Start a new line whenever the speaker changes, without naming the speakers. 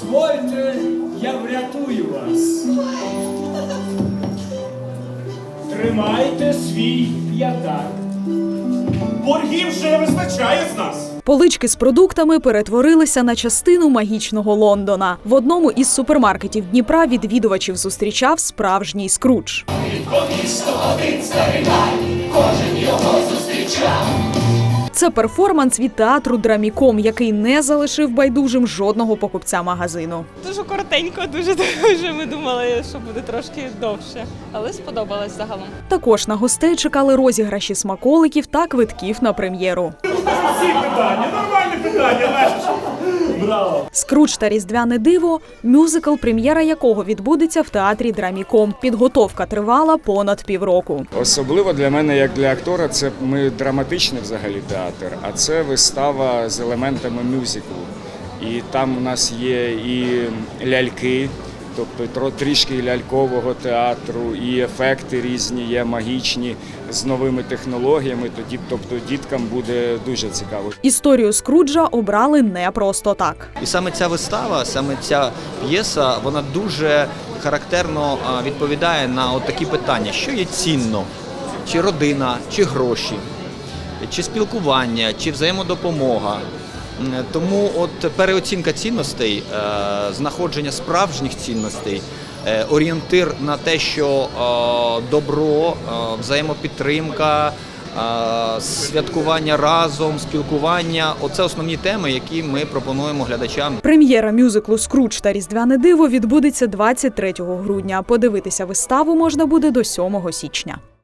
Дозвольте, я врятую вас. Тримайте свій п'ятак.
Боргів вже вистачає з нас.
Полички з продуктами перетворилися на частину магічного Лондона. В одному із супермаркетів Дніпра відвідувачів зустрічав справжній Скрудж. Це перформанс від театру «Драміком», який не залишив байдужим жодного покупця магазину.
Дуже коротенько, дуже. Ми думали, що буде трошки довше, але сподобалось загалом.
Також на гостей чекали розіграші смаколиків та квитків на прем'єру.
Всі питання, нормальне питання, Леш. Браво.
«Скрудж та Різдвяне диво» – мюзикл, прем'єра якого відбудеться в театрі «Драміком». Підготовка тривала понад півроку.
Особливо для мене, як для актора, це ми драматичний взагалі театр, а це вистава з елементами мюзиклу. І там у нас є і ляльки, тобто трішки лялькового театру, і ефекти різні є, магічні, з новими технологіями, тобто діткам буде дуже цікаво.
Історію Скруджа обрали не просто так.
І саме ця вистава, саме ця п'єса, вона дуже характерно відповідає на от такі питання, що є цінно, чи родина, чи гроші, чи спілкування, чи взаємодопомога. Тому от переоцінка цінностей, знаходження справжніх цінностей, орієнтир на те, що добро, взаємопідтримка, святкування разом, спілкування – оце основні теми, які ми пропонуємо глядачам.
Прем'єра мюзиклу «Скрудж та Різдвяне диво» відбудеться 23 грудня. Подивитися виставу можна буде до 7 січня.